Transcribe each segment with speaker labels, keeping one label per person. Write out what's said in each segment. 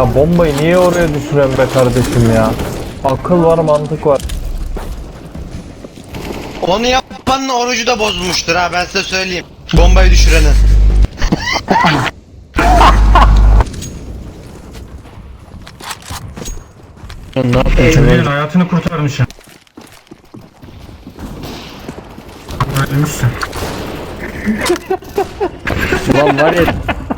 Speaker 1: Ya bombayı niye oraya düşürüyorsun be kardeşim ya? Akıl var, mantık var.
Speaker 2: Onu yapanın orucu da bozulmuştur ha, ben size söyleyeyim. Bombayı düşürenin.
Speaker 1: Ya ne yaptın
Speaker 3: Çocuğun hayatını kurtarmışım. Ölmüşsün.
Speaker 1: Lan var ya.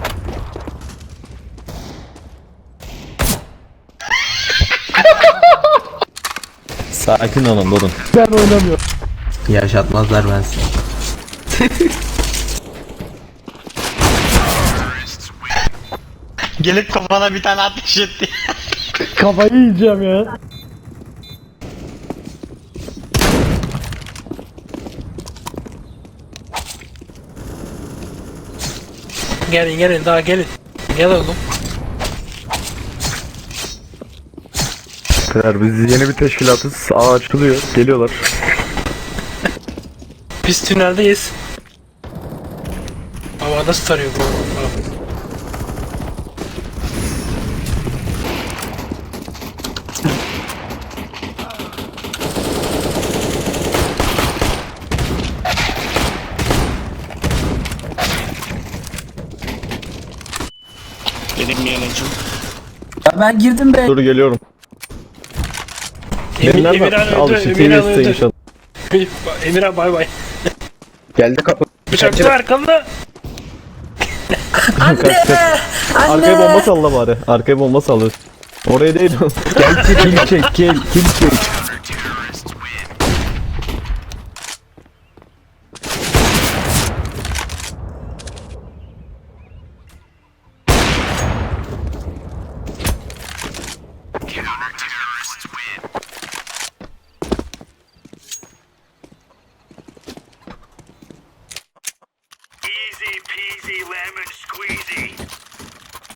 Speaker 4: Sakin olun durun.
Speaker 1: Ben oynamıyorum.
Speaker 4: Yaşatmazlar ben sizi.
Speaker 2: Gelip kafana bir tane ateş etti.
Speaker 1: Kafayı yiyeceğim ya.
Speaker 5: Gelin daha gelin. Gel oğlum.
Speaker 1: Kırar, biz yeni bir teşkilatız. Ağ açılıyor. Geliyorlar.
Speaker 5: Biz tüneldeyiz. Ama nasıl tarıyor bu?
Speaker 4: Ya ben girdim be.
Speaker 1: Dur geliyorum.
Speaker 5: Emirhan
Speaker 1: Al
Speaker 5: öldü.
Speaker 1: işte
Speaker 5: Emirhan
Speaker 1: TV'si
Speaker 5: öldü.
Speaker 1: inşallah.
Speaker 5: Emirhan bay bay.
Speaker 4: Geldi kapı.
Speaker 5: Bıçakçı arkamda.
Speaker 1: Arkaya bomba salla bari. Arkaya bomba salla. Oraya değil. Gel kill çek, kill çek.
Speaker 6: Easy peasy lemon squeezy.